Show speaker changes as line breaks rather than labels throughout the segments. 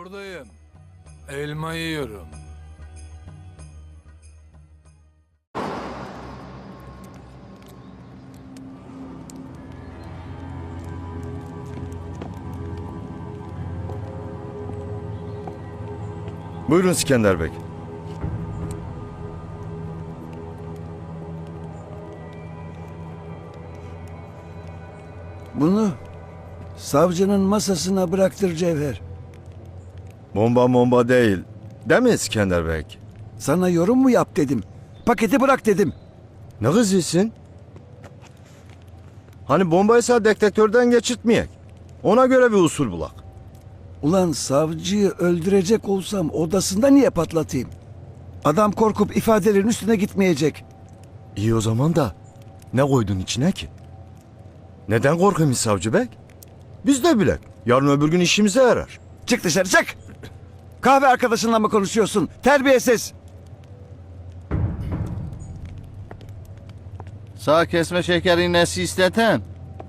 Buradayım. Elma yiyorum.
Buyurun İskender Bey.
Bunu savcının masasına bıraktır Cevher.
Bomba değil. Değil mi İskender Bey?
Sana yorum mu yap dedim. Paketi bırak dedim.
Ne kızıyorsun? Hani bombaysa detektörden geçirtmeyek. Ona göre bir usul bulak.
Ulan savcıyı öldürecek olsam odasında niye patlatayım? Adam korkup ifadelerin üstüne gitmeyecek.
İyi o zaman da ne koydun içine ki? Neden korkayım savcı bey? Biz de bilek. Yarın öbür gün işimize yarar.
Çık dışarı çık! Kahve arkadaşınla mı konuşuyorsun? Terbiyesiz!
Sağ kesme şeker iğnesi isteten.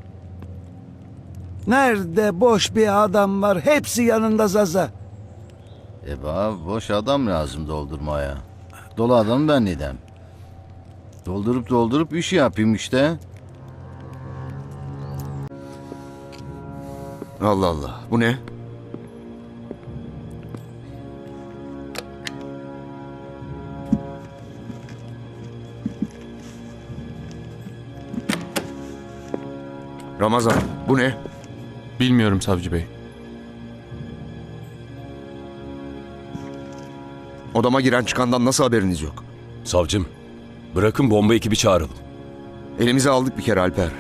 Nerede boş bir adam var? Hepsi yanında Zaza.
Bana boş adam lazım doldurmaya. Dolu adam ben nidem. Doldurup iş yapayım işte.
Allah Allah. Bu ne? Ramazan, bu ne?
Bilmiyorum savcı bey.
Odama giren çıkandan nasıl haberiniz yok?
Savcım, bırakın bomba ekibi çağıralım.
Elimize aldık bir kere Alper.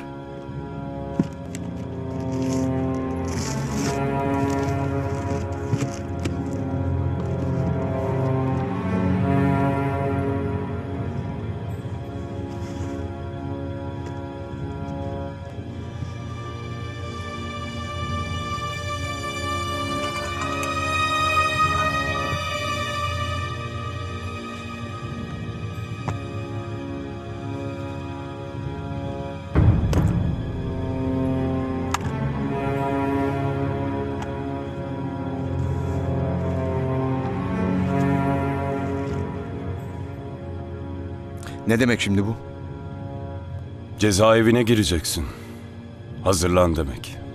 Ne demek şimdi bu?
Cezaevine gireceksin. Hazırlan demek.